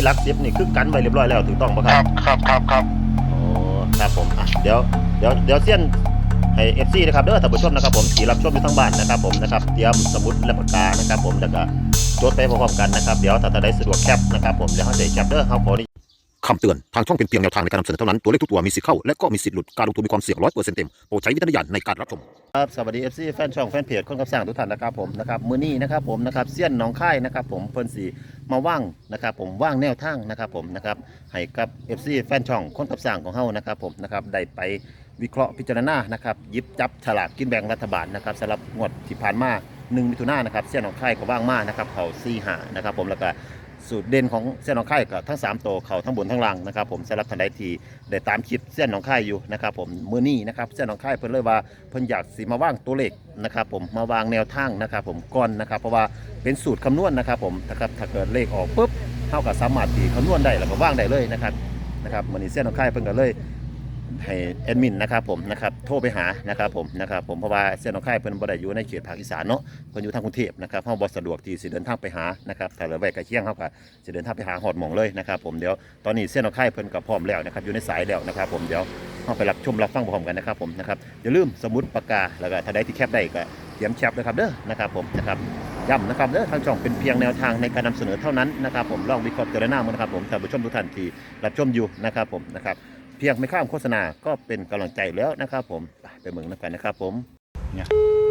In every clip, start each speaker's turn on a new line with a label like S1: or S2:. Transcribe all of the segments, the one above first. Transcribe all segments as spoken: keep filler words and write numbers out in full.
S1: หลักสิบนี่คือกันไว้เรียบร้อยแล้วถูกต้องป่ะค
S2: ค
S1: รั
S2: รั
S1: บบ
S2: ครับครับครับ
S1: โอ้ครับผมอ่ะเดี๋ยวเดี๋ยวเดี๋ยวเซียนให้ เอฟ ซี นะครับเด้อท่านผู้ชมนะครับผมที่รับชมอยู่ทั้งบ้านนะครับผมนะครับเตรียมสมุดและปากกานะครับผมแล้วก็จดไปพร้อมๆกันนะครับเดี๋ยวถ้าท่านใดสะดวกแคปนะครับผมเดี๋ยวเขาจะแคปเด้อเขาขอนี่คำเตือนทางช่องเป็นเพียงแนวทางในการนำเสนอเท่านั้นตัวเลขทุกตัวมีสิทธิ์เข้าและก็มีสิทธิ์หลุดการลงทุนมีความเสี่ยงร้อยเปอร์เซ็นต์เต็มโปรดใช้วิจารณญาณในการรับชมครับสวัสดี เอฟ ซี แฟนช่องแฟนเพจคนกับสร้างทุกท่านนะครับผมนะครับมื้อนี้นะครับผมนะครับเซียนหนองค่ายนะครับผมเพิ่นสีมาว่างนะครับผมว่างแนวทางนะครับผมนะครับให้กับ เอฟ ซี แฟนช่องคนกับสร้างของเฮานะครับผมนะครับได้ไปวิเคราะห์พิจารณานะครับหยิบจับฉลากกินแบ่งรัฐบาลนะครับสำหรับงวดที่ผ่านมาหนึ่งมิถุนายนนะครับเซียนหนองค่ายก็ว่างมากนะครับเขาสี่หานะครับผมแล้วก็สูตรเด่นของเส้นหนองคายกับทั้งสามตัวเขาทั้งบนทั้งล่างนะครับผมสำหรับทันใดที่ได้ตามคลิปเส้นหนองคายอยู่นะครับผมมื้อนี้นะครับเส้นหนองคายเพิ่นเลยว่าเพิ่นอยากสิมาว่างตัวเลขนะครับผมมาวางแนวทางนะครับผมก่อนนะครับเพราะว่าเป็นสูตรคำนวณนะครับผมนะครับถ้าเกิดเลขออกปุ๊บเท่ากับสามารถที่คำนวณได้แล้วก็ว่างได้เลยนะครับนะครับมื้อนี้เส้นหนองคายเพิ่นก็เลยให้แอดมินนะครับผมนะครับโทรไปหานะครับผมนะครับผมเพราะว่าเส้นหนองคายเพิ่นบ่ได้อยู่ในเขตภาคอีสานเนาะเพิ่นอยู่ทางกรุงเทพนะครับเฮาบ่สะดวกที่สิเดินทางไปหานะครับถ้าเหลือไว้ใกล้เคียงเฮาก็จะเดินทางไปหาหอดหม่องเลยนะครับผมเดี๋ยวตอนนี้เส้นหนองคายเพิ่นก็พร้อมแล้วนะครับอยู่ในสายแล้วนะครับผมเดี๋ยวเฮาไปรับชมรับฟังพร้อมกันนะครับผมนะครับอย่าลืมสมุดปากกาแล้วก็ถ้าใดที่แคปได้ก็เตรียมแคปนะครับเด้อนะครับผมนะครับย้ำนะครับเด้อทางช่องเป็นเพียงแนวทางในการนำเสนอเท่านั้นนะครับผมลองวิเคราะห์เจรนามันนะครับผมท่านผู้ชมทุกท่านที่รับชมอยู่นะครับผมนะครับเพียงไม่ข้ามโฆษณาก็เป็นกำลังใจแล้วนะครับผมไปเมืองนักกันนะครับผมเนี่ย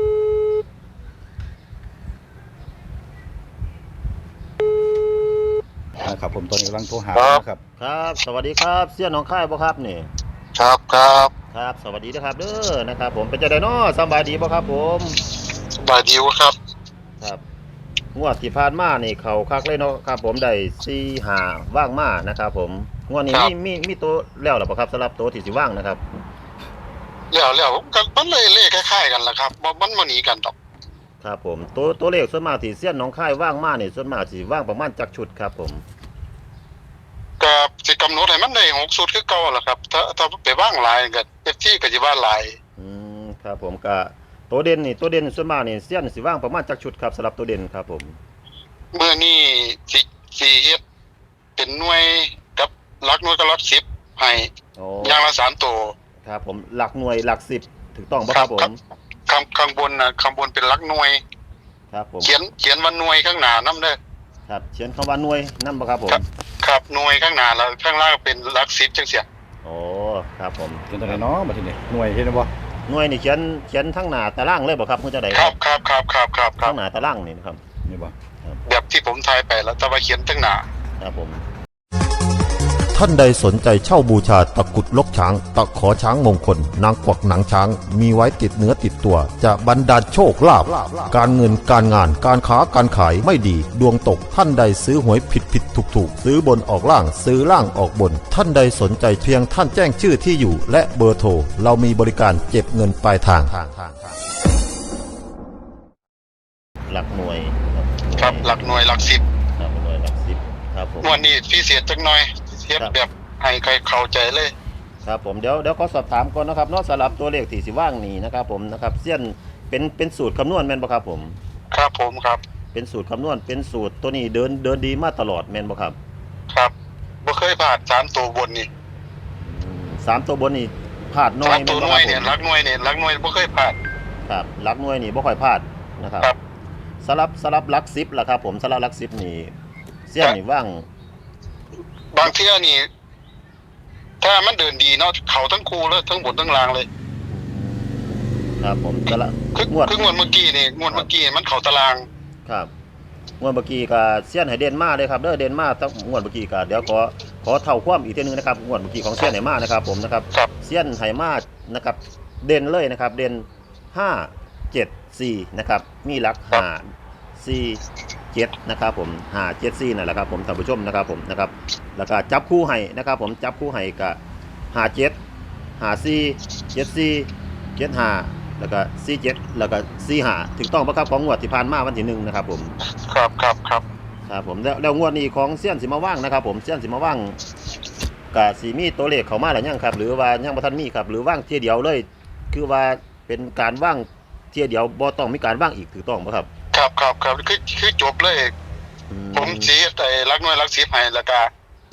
S3: นะครับผมตอนนี้กำลังโทรหา
S2: ครับ
S3: นะครับ
S1: ครับสวัสดีครับเสี่ยน้องค่ายบ่ครับนี่
S2: ครับครับ
S1: ครับสวัสดีนะครับเด้อนะครับผมเป็นใจไดเนาะสบายดีบ่ครับผม
S2: สบายดีวะครับ
S1: ครับงวดที่ผ่านมานี่เขาคักเลยเนาะครับผมได้สี่ห้าว่างมานะครับผมงวดนี้
S2: ครับ
S1: มีมีมีตัวแล้วหรือเปล่าครับสำหรับตัวที่สิว่างนะครับ
S2: แล้วแล้วกันมันเลยเลขคล้ายๆกันแหละครับบ่มันมาหนีกันดอก
S1: ครับผมตัวตัวเลขส่วนมากที่เสี่ยนน้องค่ายว่างมานี่ส่วนมากสิว่างประมาณจักชุดครับผม
S2: ก็สิกำหนดให้มันได้หกสุดคือเก่าแหละครับ ถ้าถ้าไปว่างหลายก็เอฟที่ก็สิว่าหลาย
S1: อืมครับผมก็ตัวเด่นนี่ตัวเด่นส่วนมากนี่เสี่ยนสิว่างประมาณจักชุดครับสำหรับตัวเด่นครับผม
S2: เมื่อนี้สิสิเฮ็ดเป็นหน่วยกับหลักหน่วยกับหลักสิบให้
S1: โอ้
S2: อย่างละสามตัว
S1: ครับผมหลักหน่วยหลักสิบถูกต้องป่ะครับผม
S2: ข้างข้างบนน่ะข้างบนเป็นหลักหน่วย
S1: ครับผม
S2: เขียนเขียนว่าหน่วยข้างหน้านำเด้อ
S1: ครับเขียนคำว่าหน่วยนั่นป่ะครับผม
S2: ครับ ครับหน่วยข้างหน้าแล้วข้างล่างเป็นหลักสิบจังซี่
S1: โอ้ครับผม
S3: เป็นตัวไหนเนาะมาทีนี้หน่วยเห็นไหมบ่
S1: หน่วยนี่เขียนเขียนทั้งหน้าตารางเลยป่ะครับเพื่อจะได้
S2: ครับครับครับครับครับครั
S1: ทั้
S2: บ
S1: งหน้าตารางนี่นะครับ
S3: นี่บ่
S2: แบบที่ผมทายไปแล้วแต่ว่าเขียนตั้งหนา
S1: ครับผม
S4: ท่านใดสนใจเช่าบูชาตะกรุดลกช้าง ตะขอช้างมงคล นางกวักหนังช้าง มีไว้ติดเนื้อติดตัว จะบรรดาลโชคลาภการเงินการงานการค้าการขายไม่ดี ดวงตกท่านใดซื้อหวยผิดผิดถูกถูกซื้อบนออกล่างซื้อล่างออกบน ท่านใดสนใจเพียงท่านแจ้งชื่อที่อยู่ และเบอร์โทรเรามีบริการเก็บเงินปลายทาง
S1: หลักหน่วย
S2: ครับหลักหน่วยหลักสิบ
S1: ครับหน่วยหลักสิบครับผม
S2: วันนี้พิเศษจังหน่อยเทียบแบบให้ใครเข้าใจเลย
S1: ครับผมเดี๋ยวเดี๋ยวขอสอบถามก่อนนะครับเนอกสำหรับตัวเลขที่สิว่างนี่นะครับผมนะครับเส้ยนเป็นเป็นสูตรคำนวณแม่นบ่ครับผม
S2: ครับผมครับ
S1: เป็นสูตรคำนวณเป็นสูตรตัวนี้เดินเดินดีมาตลอดแม่นบ่ครับ
S2: ครับบ่เคยผ่านสามตัวบนนี่
S1: อืมสามตัวบนนี่พลาดน้อ
S2: สาย ม
S1: แม่
S2: ตัวน ห
S1: บ่
S2: น่
S1: คว รั
S2: ย
S1: บผ
S2: เนี่ย
S1: ม
S2: หลักหน่วยเนี่ยหลักหน่วยบ่เคยผ่าน
S1: ครับหลักหน่วยนี่บ่ค่อยพลาดนะครับ
S2: ครับ
S1: สำหรับสำหรับหลักสิบล่ะครับผมสำหรับหลักสิบนี่เส้ยนนี่ว่าง
S2: บางเที่ยนี่ ถ้ามันเดินดีเนาะเขาทั้งคู่เลยทั้งบนทั้งล่างเลย
S1: ครับผมสำหรับ
S2: คือง
S1: วด
S2: คืองวดเมื่อกี้นี่งวดเมื่อกี้มันเข้าตาราง
S1: ครับงวดเมื่อกี้ก็เสี้ยนให้เด่นมาเลยครับเด้อเด่นมาตั้งงวดเมื่อกี้ก็เดี๋ยวขอขอเท่าความอีกทีนึงนะครับงวดเมื่อกี้ของเสี้ยนไหมานะครับผมนะครับ
S2: ครับ
S1: เสี้ยนไหมานะครับเด่นเลยนะครับเด่นห้าเจ็ดสี่นะครับมีหลักห้าสี่เจ็ดนะครับผมห้าเจ็ดสี่นั่นแหละครับผมท่านผู้ชมนะครับผมนะครับแล้วก็จับคู่ให้นะครับผมจับคู่ให้กับห้าเจ็ดห้าสี่เจ็ดสี่เจ็ดห้าแล้วก็สี่เจ็ดแล้วก็สี่ห้าถูกต้องปะครับของงวดที่ผ่านมาวันที่หนึ่งนะครับผม
S2: ครับครับครับ
S1: ครับผมแล้วแล้วงวดนี้ของเซียนสิมาว่างนะครับผมเซียนสิมาว่างกับสีมีตัวเลขเข้ามาหรือยังครับหรือว่ายังบ่ทันมีครับหรือว่างเที่ยเดียวเลย คือว่าเป็นการว่างเที่ยเดียวบ่ต้องมีการว่างอีกถูกต้องปะครับ
S2: ครับครับครับคือคือจบเลย
S1: อื
S2: ผมสิไอ้หลักหน่วยหลักสิบให้แล้วก็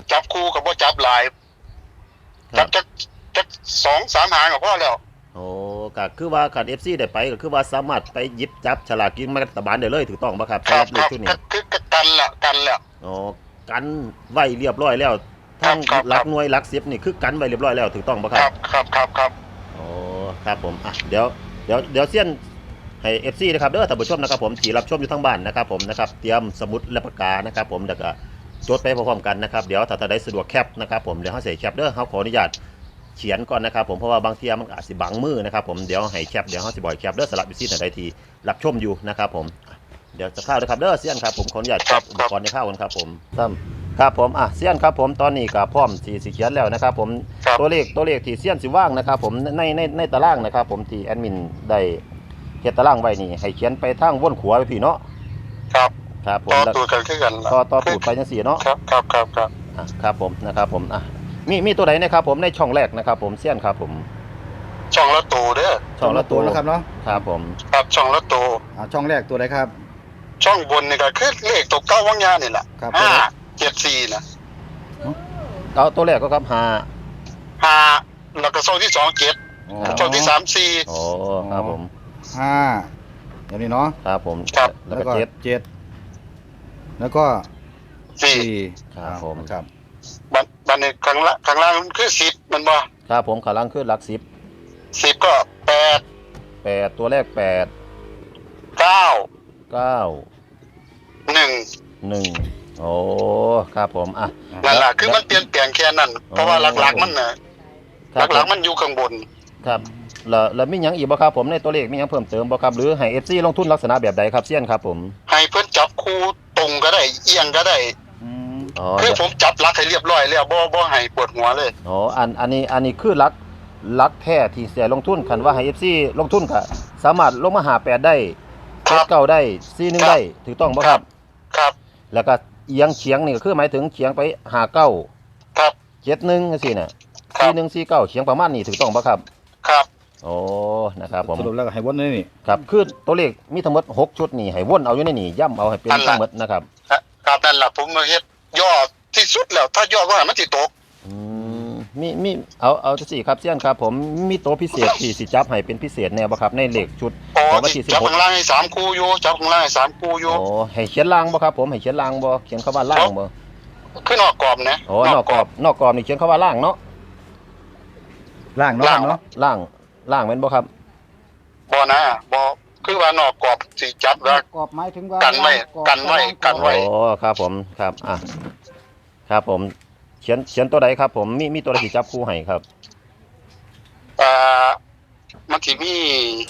S2: จับคู่กับบ่จับหลายจับจักจักสองสามหางก็พอแล้ว
S1: โอ้ก็คือว่าคัน เอฟ ซี ได้ไปก็คือว่าสามารถไปหยิบจับฉลากกินแบ่งรัฐบาลได้เลยถูกต้องบ่ครับ
S2: ครั
S1: สำห
S2: บ
S1: รับเล
S2: ค
S1: ข
S2: รับ
S1: ชุด
S2: ก็
S1: นี้
S2: คือกันละกันแล้ว
S1: อ๋อกันไว้เรียบร้อยแล้วทั้ง
S2: ครับ
S1: หลั
S2: ค
S1: ก
S2: รับ
S1: หน่วยหลักสิบนี่คือกันไว้เรียบร้อยแล้วถูกต้องบ่ค
S2: ค
S1: รั
S2: รั
S1: บบ
S2: ครับครับครับ
S1: โอ้ครับผมอ่ะเดี๋ยวเดี๋ยวเดี๋ยวเซียนให้ เอฟ ซี นะครับเด้อท่านผู้ชมนะครับผมที่รับชมอยู่ทั้งบ้านนะครับผมนะครับเตรียมสมุดและปากกานะครับผมแล้วก็จดไปพร้อมๆกันนะครับเดี๋ยวถ้าท่านใดสะดวกแคปนะครับผมเดี๋ยวเฮาสิแคปเด้อเฮาขออนุญาตเขียนก่อนนะครับผมเพราะว่าบางทีมันอาจสิบังมือนะครับผมเดี๋ยวให้แคปเดี๋ยวเฮาสิบ่อยแคปเด้อสำหรับวิซีท่านใดที่รับชมอยู่นะครับผมอ่ะเดี๋ยวจะเข้านะครับเด้อเซียนครับผมขออนุญาตแคปอุปกรณ์ในเข้ากันครับผมซ้ำครับผมอ่ะเซียนครับผมตอนนี้ก็พร้อมสิสิเขียนแล้วนะครับผม
S2: ครับ
S1: ตัวเลขตัวเลขที่เซียนสิว่างนะครับผมในในในตารางนะครับผมที่แอดมินได้เขียนตารางไว้นี่ให้เขียนไปทางวนขวาไปพี่เนาะ
S2: ครับ
S1: ครับผม
S2: ต่อ
S1: แล้ว
S2: ตัวกันคือกันล่ะ
S1: ต่อต่อตูดไปจังซี่เนาะ
S2: ครับครับครับครับ
S1: อ่ะครับผมนะครับผมอ่ะมีมีตัวไหนนะครับผมในช่องแรกนะครับผมเซียนครับผม
S2: ช่องละตัวเด้อ
S1: ช่องละตัว
S3: นะครับเนาะ
S1: ครับผม
S2: ครับช่องละตัว
S3: อ่าช่องแรกตัวไหนครับ
S2: ช่องบนนี่ก็คือเลขตัวเก้าวังยานี่แหละ
S3: ครับ
S2: ห้าเจ็ดสี่นะ
S1: เอาตัวแรกก็ครับห้า
S2: ห้าแล้วก็ช่องที่สองเจ็ด
S3: อ๋อ
S2: ช่องที่สามสี่
S1: โอ้ครับผม
S3: ห้าอย่างนี้เนาะ
S1: ครับผม
S2: ครับ
S1: แล้ว
S3: แล้ว
S1: ก็
S3: ก็
S1: เจ็ด
S3: เจ็ดแล้วก็
S2: สี่
S3: สี่
S1: ครับผม
S3: ครับ
S2: บันบันในข้างละข้างล่างมันคือสิบมันบ่
S1: ครับผมขาลังขึ้นหลักสิบ
S2: สิบก็แปด
S1: แปดตัวแรกแปด
S2: เก้า
S1: เก้า
S2: หนึ่ง
S1: หนึ่งโอ้ครับผมอ่ะ
S2: นั่นแหละคือมันเปลี่ยนแปลงแค่นั้น เพราะว่าหลักๆมันน่ะ
S1: ครับ
S2: หลักๆมันอยู่ข้างบน
S1: ครับแล้วแล้วมีหยังอีกบ่ครับผมในตัวเลขมีหยังเพิ่มเติมบ่ครับหรือให้ เอฟ ซี ลงทุนลักษณะแบบใดครับเซียนครับผม
S2: ให้เพิ่นจับคู่ตรงก็ได้เอียงก็ได้
S3: อืม
S1: อ๋อ
S2: คือผมจับหลักให้เรียบร้อยแล้วบ่บ่ให้ปวดหัวเลย
S1: อ๋ออันอันนี้อันนี้คือหลักหลักแท้ที่เสียลงทุนคันว่าให้ เอฟ ซี ลงทุนก็สามารถลงมาหาแปดได้
S2: ครับ
S1: เก้าได้สี่หนึ่งได้ถูกต้องบ่ครับ
S2: ครับ
S1: แล้วก็เอียงเฉียงนี่ก็คือหมายถึงเฉียงไปหาเก้า
S2: ครับ
S1: เจ็ดหนึ่งจังซี่น่ะ
S2: ครับ
S1: สี่หนึ่งสี่เก้าเฉียงประมาณนี้ถูกต้องบ่ครับ
S2: ครับ
S1: โอ้นะครับผม
S3: สรุปแล้วก็ให้วนนี่นี่
S1: ครับคือตัวเลขมีทั้งหมดหกชุดนี่ให้วนเอาอยู่ในนี่ย่ำเอาให้เป็นทั้งหมดนะครับ
S2: ครับนั่นล่ะผมมาเฮ็ดย่อที่สุดแล้ว ถ้าย่อก็ให้มันสิตก
S1: อืมมีมีเอาเอาจังซี่ครับเซียนครับผมมีตัวพิเศษที่สิจับให้เป็นพิเศษแน่บ่ครับในเลขชุด
S2: โอ้
S1: ของวัน
S2: ที่
S1: ที่สิบ
S2: จับ
S1: หก
S2: ข้างล่างให้สามคู่อยู่จับข้างล่างให้สามคู่อยู่
S1: โอ้ให้เขียนล่างบ่ครับผมให้เขียนล่างบ่เขียนคำว่าล่างบ่
S2: คือนอกกรอบนะ
S1: โอ้นอกกรอบนอกกรอบนี่เขียนคำว่าล่างเนาะ
S3: ล่างเนาะ
S2: ล่าง
S3: เนาะ
S1: ล่างล่างแม่นบ่ครับ
S2: บ่นะบ่คือว่านอกกรอบสิจับแล้ว
S5: กรอบหมายถึงว่า
S2: กันไว้
S5: กรอบ
S2: กันไว้กันไว้
S1: โอ้ครับผมครับอ่ะครับผมเขียนเขียนตัวใดครับผมมีมีตัวใดสิจับคู่ให้ครับ
S2: อ่ามันสิมี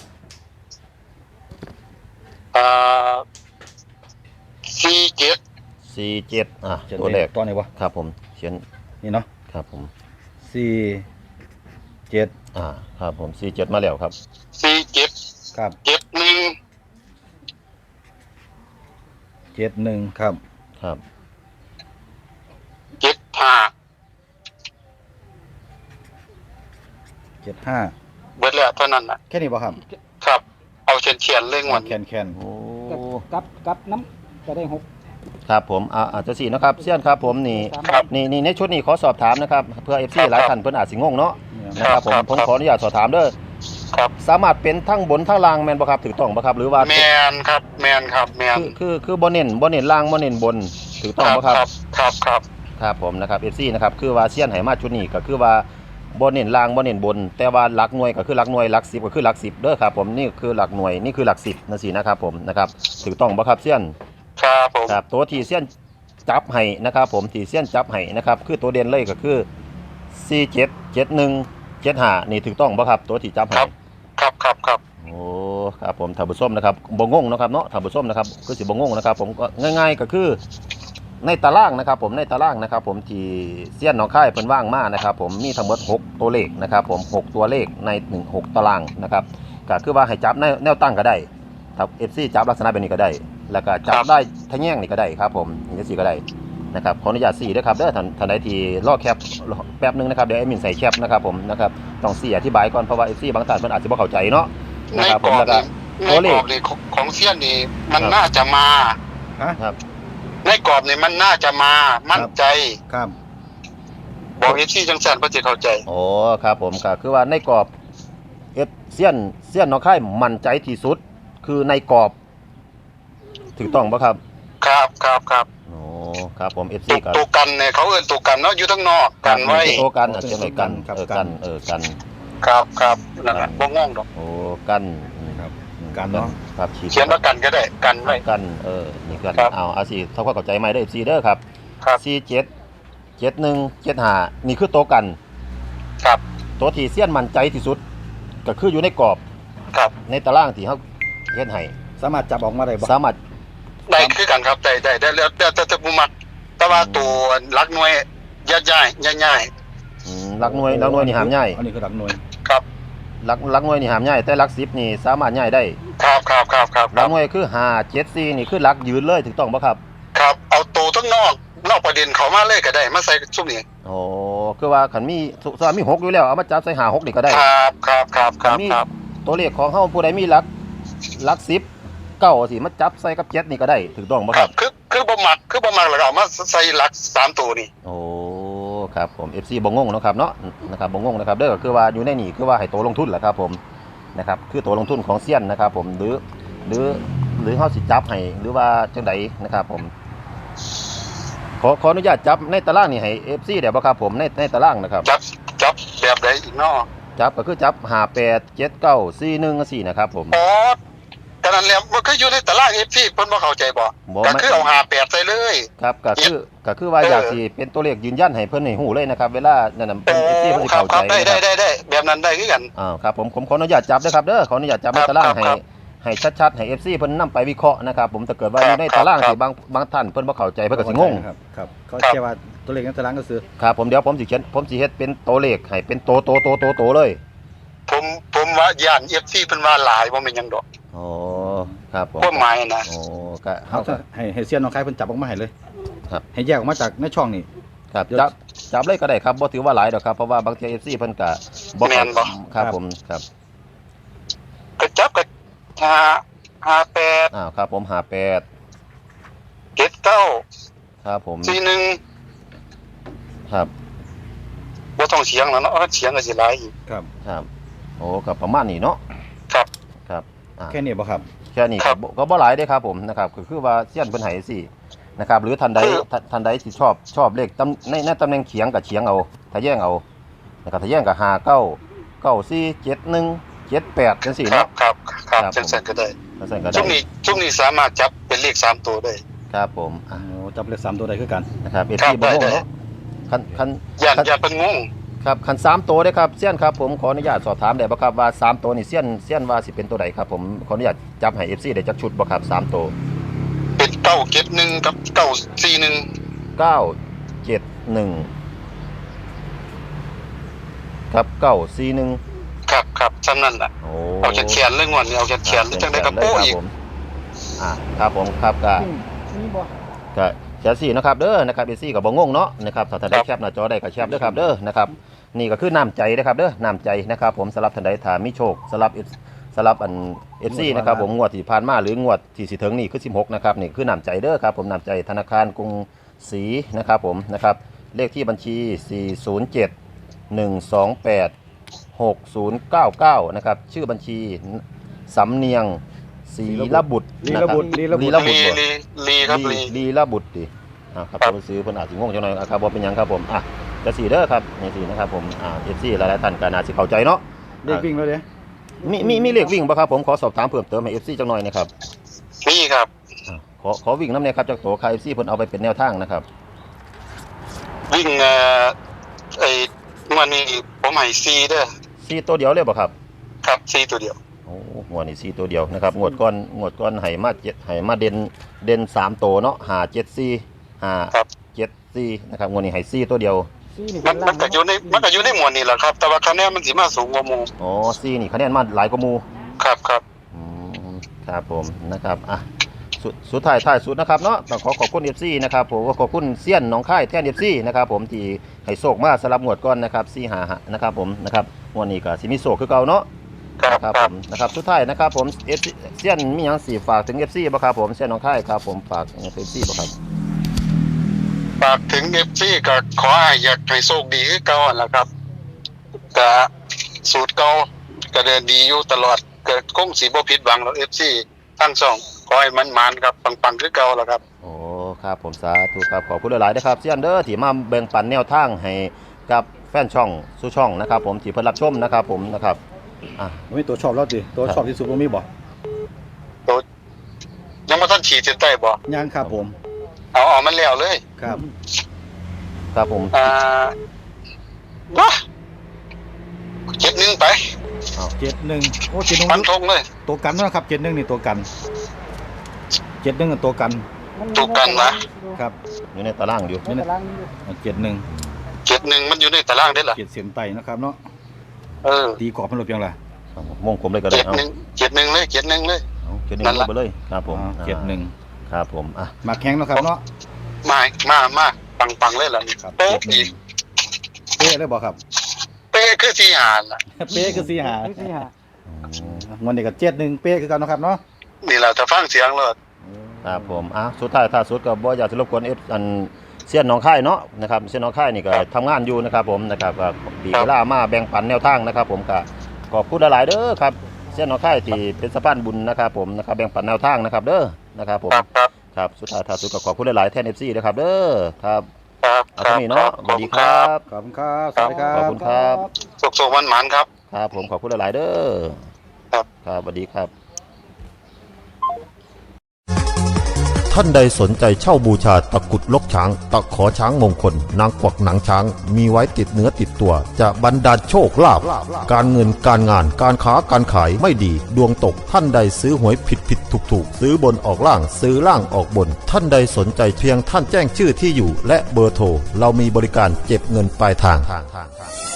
S2: อ่าสี่เจ็ด
S1: สี่เจ็ดอ่ะ
S3: เจ็ด
S1: ตัวแรก
S3: ตอนนี้วะ
S1: ครับผมเขียน
S3: นี่เนาะ
S1: ครับผม
S3: สี่เจ็ด
S1: อ่าครับผมสี่เจ็ดมาแล้วครับ
S2: สี่เจ็ด
S3: ครับ
S2: เจ็ดหนึ่ง
S3: เจ็ดหนึ่งครับ
S1: ครับ
S2: เจ็ดห้า
S3: เจ็ดห้า
S2: เบิดแล้วเท่านั้นน่ะ
S3: แค่นี้ป่ะครับ
S2: ครับ เอาเฉียนเฉียนๆเรื่องวัน
S3: แคนแคน
S1: โอ้
S5: กับกับน้ำจะได้หก
S1: ครับผมอ่าอาจจะสี่นะครับเซียนครับผมนี่
S2: ครับ
S1: นี่นี่ในชุดนี้ขอสอบถามนะครับเพื่อ เอฟ ซี
S2: ครับ
S1: หลายท่านเพิ่นอาจสิงงเนาะนะครับผม
S2: ครับ
S1: ผม
S2: ครับ
S1: ขออนุญาตสอบถามเด้อ
S2: ครับ
S1: สามารถเป็นทั้งบนทั้งล่างแม่นบ่ครับถูกต้องบ่ครับหรือว่า
S2: แมนครับแมนครับแมน
S1: คือคือคือบ่เน้นบ่เน้นล่างบ่เน้นบนถูกต้องบ่ครับ
S2: ครับครับ
S1: ครับผมนะครับ เอฟ ซี นะครับคือว่าเซียนไหมาชุดนี้ก็คือว่าบ่เน้นล่างบ่เน้นบน แต่ว่าหลักหน่วยก็คือหลักหน่วยหลักสิบก็คือหลักสิบเด้อครับผมนี่คือหลักหน่วยนี่คือหลักสิบนั่นสินะครับผมนะครับถูกต้องบ่ครับเซียน
S2: ครับผม
S1: ครับตัวที่เซียนจับให้นะครับผมที่เซียนจับให้นะครับคือตัวเด่นเลยก็คือสี่เจ็ด เจ็ดหนึ่ง เจ็ดห้านี่ถูกต้องบ่ครับตัวที่จับให้
S2: ครับครับครับ
S1: โอ้ครับผมท่านผู้ชมนะครับบ่งงเนาะครับเนาะท่านผู้ชมนะครับคือสิบ่งงนะครับผมก็ง่ายๆก็คือในตารางนะครับผมในตารางนะครับผมที่เซียนหนองคายเพิ่นว่างมานะครับผมมีทั้งหมดหกตัวเลขนะครับผมหกตัวเลขในหนึ่ง หกตารางนะครับก็คือว่าให้จับในแนวตั้งก็ได้ถ้า เอฟ ซี จับลักษณะแบบนี้ก็ได้ แล้วก็จับได้ทะแยงนี่ก็ได้ครับผมนี่สิก็ได้นะครับขออนุญาตสี่ด้วยครับเด้อท่านท่านใดที่รอแคปแป๊บนึงนะครับเดี๋ยวแอดมินใส่แคปนะครับผมนะครับต้องสี่อธิบายก่อนเพราะว่า เอฟ ซี บางท่านเพิ่นอาจจะบ่เข้าใจเนาะ
S2: ใน
S1: นะครับ
S2: ก
S1: ผ
S2: ร
S1: ม
S2: อบ
S1: แล้วก็
S2: นี่ใน
S1: ตัวเล
S2: กร
S1: ข
S2: อบนี่ของของเซียนนี่มัน
S1: ครับ
S2: น่าจะมา
S3: ฮะ
S1: ครับ
S2: ในกรอบนี่มันน่าจะมามั่นใจ
S3: ครับ
S2: บอกเอฟซีจังสันเพื่อจะเข้าใจ
S1: โอ้ครับผมก็คือว่าในกรอบเอฟเซียนเซียนน้องค่ายมั่นใจที่สุด คือในกรอบถูกต้องปะครับ
S2: ครับครับครับ
S1: โอ้ครับผม เอฟ ซี
S2: ตัว
S1: กับ
S2: ตัวกันเนี่ยเขาเอื้นตัวกันเนาะอยู่ทั้งนอกกันไว้
S1: โตกันอาจจะไม่กันเออกันเออกัน
S2: ครับครับนั่นแหละบ่งงดอก
S1: โอ้กัน
S3: ครับกันเนาะ
S1: ครับฉีด
S2: เขียนว่ากันก็ได้กันไว้
S1: กันเออนี่กัน
S2: ครับ
S1: เอาเอาสิเท่าความเข้าใจไหมได้ เอฟ ซี เด้อครับ
S2: ครับ
S1: สี่เจ็ด เจ็ดหนึ่ง เจ็ดห้านี่คือโตวกัน
S2: ครับ
S1: ตัวที่เซียนมั่นใจที่สุด ก็คืออยู่ในกรอบ
S2: ครับ
S1: ในตารางที่เขาเฮ็ดให้
S3: สามารถจับออกมาได้บ่
S1: สามารถ
S2: ได้คือกันครับได้ได้ได้แล้วแต่แต่แต่ผู้มักแต่ว่าตัวรักหน่วยย่าย่ายย่าย่าย
S1: อืมหลักหน่วยหลักหน่วยนี่หามง่าย
S3: อันนี้คือหลักหน่วย
S2: ครับ
S1: หลักหลักหน่วยนี่หามง่ายแต่หลักสิบนี่สามารถง่ายได้
S2: ครับครับครับครับ
S1: หลักหน่วยคือห้า เจ็ด สี่นี่คือหลักยืนเลยถูกต้องป่ะครับ
S2: ครับเอาตัวทั้งนอกนอกประเด็นเขามาเลยก็ได้มาใส่ชุดนี้
S1: โอ้คือว่าคันมีสมมุติมีหกอยู่แล้วเอามาจับใส่ห้า หกนี่ก็ได้
S2: ครับครับครับครับ
S1: มี
S2: ครับ
S1: ตัวเลขของเฮาผู้ใดมีหลักหลักสิบเก้าสิมาจับใส่กับเจ็ดนี่ก็ได้ถูกต้องป่ะ
S2: ค
S1: ค
S2: รั
S1: รั
S2: บบ คือคือบ่มักคือบ่มักแล้วก็เอามาใส่หลักสามตัวนี่
S1: โอ้ครับผม เอฟ ซี บ่งงเนาะครับเนาะนะครับบ่งงนะครับเด้อก็คือว่าอยู่ในนี่คือว่าให้โตลงทุนแหละครับผมนะครับคือโตลงทุนของเซียนนะครับผมหรือหรือหรือเฮาสิจับให้หรือว่าจังใดนะครับผมขอขออนุญาตจับในตารางนี่ให้ เอฟ ซี ได้บ่ครับผมในในตารางนะครับ
S2: จับจับแบบใดอีกเนาะ
S1: จับก็คือจับห้า แปด เจ็ด เก้า สี่ หนึ่ง สี่นะครับผม
S2: อ๋อแต่นั้นแล้วมันก็อยู่ในตาราง เอฟ ซี เพิ่นบ่เข้าใจบ่
S1: บ่
S2: ก็
S1: ไม่
S2: คือเอาห้าแปดใส่เลย
S1: ครับก็คือก็คือว่า
S2: เออ
S1: อ
S2: อ
S1: ยากสิเป็นตัวเลขยืนยันให้เพิ่นให้ฮู้เลยนะครับเวลานั่นน่ะ
S2: โอ้
S1: เพิ่น เอฟ ซี เพิ่นสิ
S2: ครับ
S1: เข้า
S2: ค
S1: ใจ
S2: รับได้
S1: นะค
S2: ได้
S1: รับ
S2: ได้ได้แบบนั้นได้คือกัน
S1: อ่าครับผมผมขออนุญาตจับด้วยครับเด้อขออนุญาตจับใน
S2: ครับ
S1: ตาราง
S2: ครับ
S1: ให้
S2: ครับ
S1: ให้ชัดๆให้ เอฟ ซี เพิ่นนำไปวิเคราะห์นะครับผมถ้าเกิดว่า
S2: ค
S1: อ
S2: รับ
S1: ยู่ในตาราง
S2: ครับ
S1: ที่บางบางท่านเพิ่นบ่เข้าใจเพิ่นก็สิงง
S3: ครับครับเขา
S2: ครับ
S3: แค่ว่าตัวเลขในตารางก็คือ
S1: ครับผมเดี๋ยวผมสิเขียนผมสิเฮ็ดเป็นตัวเลขให้เป็นโตโตโตโตโตเลย
S2: ผมผมว่าย่าน เอฟ ซี เพิ่นว่าหลายบ่แม่นหยังดอก
S1: โอ้ครับผม
S2: ความหมายนะ
S1: โอ้ก็
S3: เขา
S1: เฮาก็
S3: ให้ให้เซียนน้องคายเพิ่นจับออกมาให้เลย
S1: ครับ
S3: ให้แยกออกมาจากในช่องนี่
S1: ครับจับจับเลยก็ได้ครับบ่ถือว่าหลายดอกครับเพราะว่าบางที เอฟ ซี เพิ่นก็บ่
S2: แม่นบ่
S1: ครับผมครับ
S2: ก็จับก็ห้าห้าแปด
S1: อ้าวครับผมห้า แปด
S2: เจ็ดเก้า
S1: ครับผม
S2: สี่หนึ่ง
S1: ครับ
S2: บ่ต้องเสียงแล้วเนาะเสียงก็สิหลายอีก
S3: ครับ
S1: ครับโอ้ก็ประมาณนี้เนาะ
S2: ครับ
S1: ครับอ่า
S3: แค่นี้บ่ครับ
S1: แค่นี้
S2: ครั
S1: ก็
S2: บ
S1: บ่ก็บ่หลายเด้ครับผมนะครับก็คือว่าเสี้ยนเพิ่นให้สินะครับหรือท่านใด
S2: คือ
S1: ท่านท่านใดที่ชอบชอบเลขตำในในตำแหน่งเฉียงก็เฉียงเอาถ้าแย่งเอานะครับถ้าแย่งก็ห้า เก้า เก้า สี่ เจ็ด หนึ่ง เจ็ด แปดจังซี่
S2: ครั
S1: เนาะ
S2: บครับครับ
S1: ครับ
S2: จังซั่นก็ได้
S1: จังซั่นก็
S2: ช่
S1: ได้
S2: วงนี้ช่วงนี้สามารถจับเป็นเลขสามตัวได้
S1: ครับผมอ่ะ
S3: โอ้จับเลขสามตัวได้คือกัน
S1: นะครับเอ
S2: ครั
S1: ซี
S2: บ
S1: บ่งง
S2: ได้
S1: เนาะคันคัน
S2: ย่าน
S1: คัน
S2: ย่านเพิ่นงง
S1: ครับคันสามตัวเด้อครับเสี้ยนครับผมขออนุญาตสอบถามได้บ่ครับว่าสามตัวนี่เสี้ยนเสี้ยนว่าสิเป็นตัวใดครับผมขออนุญาตจับให้ เอฟ ซี ได้จักชุดบ่ครับสามตัว
S2: เป็นเก้าเจ็ดหนึ่งกับเก้าสี่หนึ่ง
S1: เก้า เจ็ด หนึ่งครับเก้า สี่ หนึ่ง
S2: ครับครับซ้ำนั่นล่ะ
S1: โอ้
S2: เอาแขนๆเลยงวดนี้เอาแขนๆเลยจังได๋ก็โป้อีก
S1: อ่าครับผมครับก็
S5: มีบ่
S1: ก็แชร์สี่นะครับเด้อนะครับเอซี่กับบ่งงเนาะนะครับถ้าท่านใดแคปหน้าจอได้ก็แคปเด้อครับเด้อนะครับนี่ก็คือน้ำใจนะครับเด้อน้ำใจนะครับผมสำหรับท่านใดถ้ามีโชคสำหรับ F สำหรับอัน เอฟ ซี นะครับผมงวดที่ผ่านมาหรืองวดที่สิถึงนี่คือสิบหกนะครับนี่คือน้ำใจเด้อครับผมน้ำใจธนาคารกรุงศรีนะครับผมนะครับเลขที่บัญชี สี่ ศูนย์ เจ็ด หนึ่ง สอง แปด หก ศูนย์ เก้า เก้านะครับชื่อบัญชีสำเนียงศรีระบุตร
S3: ลี
S1: นะ
S3: ระ
S1: ครับ
S3: บุตรลีระบุ
S1: ลี
S3: ตร
S1: ระบุตร
S2: ลี
S1: บ่
S2: ลีลีครับลี
S1: ลีระบุตรดิอ่าครับตัวซื้อเพิ่นอาจสิงงจังหน่อยอ่ะครับบ่เป็นหยังครับผมอ่ะจะสี่เด้อครับนี่สินะครับผมอ่า เอฟ ซี หลายๆท่านก็น่าสิเข้าใจเนาะ
S3: เลขวิ่งแล้วเด้
S1: มีมีมีเลขวิ่งบ่ครับผมขอสอบถามเพิ่มเติมให้ เอฟ ซี จังหน่อยนะครับ
S2: มีครับ
S1: อ่าขอขอวิ่งนำเนี่ยครับจากตัวค่า เอฟ ซี เพิ่นเอาไปเป็นแนวทางนะครับ
S2: วิ่งเอ่อไอ้งวดนี้ผมให้สี่เด้อ
S1: สี่ตัวเดียวเลยบ่ครับ
S2: ครับสี่ตัวเดียว
S1: โอ้งวดนี้สี่ตัวเดียวนะครับงวดก่อนงวดก่อนให้มาเจ็ดให้มาเด่นเด่นสามตัวเนาะห้า เจ็ด สี่ ห้า
S2: ครับ
S1: เจ็ด สี่นะครับงวดนี้ให้สี่ตัวเดียว
S5: ซีนี่
S2: มั
S5: เป็น น
S2: มั
S5: ล่าน ง
S2: ก็อยู่ในมันก็อยู่ในหมวดนี้แหละครับ แต่ว่าคะแนนมันสิมาสูงกว่าหมู่
S1: อ๋อสี่นี่คะแนนมาหลายกว่าหมู่
S2: ครับครับ
S1: อืมครับผมนะครับอ่ะสุดสุดท้ายท้ายสุดนะครับเนาะต้องขอขอบคุณ เอฟ ซี นะครับผมขอบคุณเซียนหนองค่ายแท่น เอฟ ซี นะครับผมที่ให้โชคมาสำหรับงวดก่อนนะครับสี่ห้านะครับผมนะครับงวดนี้ก็สิมีโชคคือเก่าเนาะ
S2: ครับ
S1: นะครับ
S2: ค
S1: ผ
S2: รับ
S1: มนะครับสุดท้ายนะครับผม เอฟ ซี เซียนมีหยังสิฝากถึง เอฟ ซี บ่ครับผมเซียนหนองค่ายครับผมฝาก เอฟ ซี บ่ครับ
S2: ฝากถึง เอฟ ซี ก็ขอให้อยากให้โชคดีคือเก่าหั่นล่ะครับก็สูตรเก่าก็เดินดีอยู่ตลอดเกิดคงสิบ่ผิดหวังหรอก เอฟ ซี ทั้งสองขอให้มันมานครับปังๆคือเก่าล่ะครับ
S1: โอ้ครับผมสาธุครับขอบคุณหลายๆนะครับเซียนเด้อที่มาแบ่งปันแนวทางให้กับแฟนช่องสู่ช่องนะครับผมที่เพิ่นรับชมนะครับผมนะครับอ่ะ
S3: มันมีตัวชอบแล้วดิตัวชอบที่สุดมันมีบ่
S2: ตัวยังบ่ทันฉีดเส้นใต้บ่
S3: ยังครับผม
S2: เอาเอามันแล้วเลย
S3: ครับ
S1: ครับผม
S2: อ่าว้าเจ็ดหนึ่งไป
S3: เจ็ดหนึ่งโอ้เจ็ดหนึ่ง
S2: ฟันธงเลย
S3: ตัวกันนะครับเจ็ดหนึ่งนี่ตัวกันเจ็ดหนึ่งตัวกัน
S2: ถูกกันนะ
S3: ครับ
S1: อยู่ในตารางอยู่
S5: ในตารางนี้อยู่
S3: เจ็ดหนึ่ง
S2: เจ็ดหนึ่งมันอยู่ในตารางได้ล่ะ
S3: เจ็ดเสียนไตนะครับเนาะ
S2: เออ
S3: ตีกรอบมันหลบยังไง
S1: ครับผมวงผมเลยก็ได้
S2: เจ็ด
S1: เอา
S2: หนึ่งเจ็ดหนึ่งเลยเจ็ดหนึ่งเลย
S1: เอาเจ็ดหนึ่
S2: นั่
S1: ง
S2: นล่ะ
S1: ไปเลยครับผม
S3: เจ็ดหนึ่ง
S1: ครับผมอ่ะ
S3: มาแข้งเนาะครับเนาะ
S2: มามามาปังปังๆเลยล่ะนี่
S3: ครับ
S2: โป๊ะ
S3: เจ็ดหนึ่
S2: อี
S3: ง
S2: ก
S3: เป๊ะเลยบอกครับ
S2: เป๊ะคือที่หานล่ะ
S3: เป๊ะคือสี่หา
S5: ที่สี่ห้า
S3: วันนี้ก็เจ็ดหนึ่งเป๊ะคือกันเนาะครับเนาะ
S2: นี่แหละถ้าฟังเสียงเลย
S1: ครับผมอ่ะสุดท้ายถ้าสุดก็บ่อยากจะรบกวน F อันเซียนหนองค่ายเนาะนะครับเซียนหนองค่ายนี่ก็ทำงานอยู่นะครับผมนะครับก็ดีเวลามาแบ่งปันแนวทางนะครับผมก็ขอบคุณหลายๆเด้อครับเซียนหนองค่ายที่เป็นสะพานบุญนะครับผมนะครับแบ่งปันแนวทางนะครับเด้อนะครับผม
S2: ครับครับ
S1: ครับสุดท้ายถ้าสุดก็ขอบคุณหลายๆแทน เอฟ ซี นะครับเด้อครับ
S2: ครับ
S1: เอา
S2: ค
S1: ตร
S2: รับ
S1: งนี้เนาะสวัสดีครับ
S3: ขอบคุณครับสวัสดีครับ
S1: ขอบคุณครับ
S2: สุขสมันหมานครับ
S1: ครับผมขอบคุณหลายๆเด้อ
S2: ครับ
S1: ครับสวัสดีครับ
S4: ท่านใดสนใจเช่าบูชาตะกรุดลกช้าง ตะขอช้างมงคล นางกวักหนังช้าง มีไว้ติดเนื้อติดตัว จะบรรดาลโชคลาภการเงินการงานการค้าการขายไม่ดี ดวงตกท่านใดซื้อหวยผิดผิดถูกถูกซื้อบนออกล่างซื้อล่างออกบน ท่านใดสนใจเพียงท่านแจ้งชื่อที่อยู่ และเบอร์โทรเรามีบริการเก็บเงินปลายทาง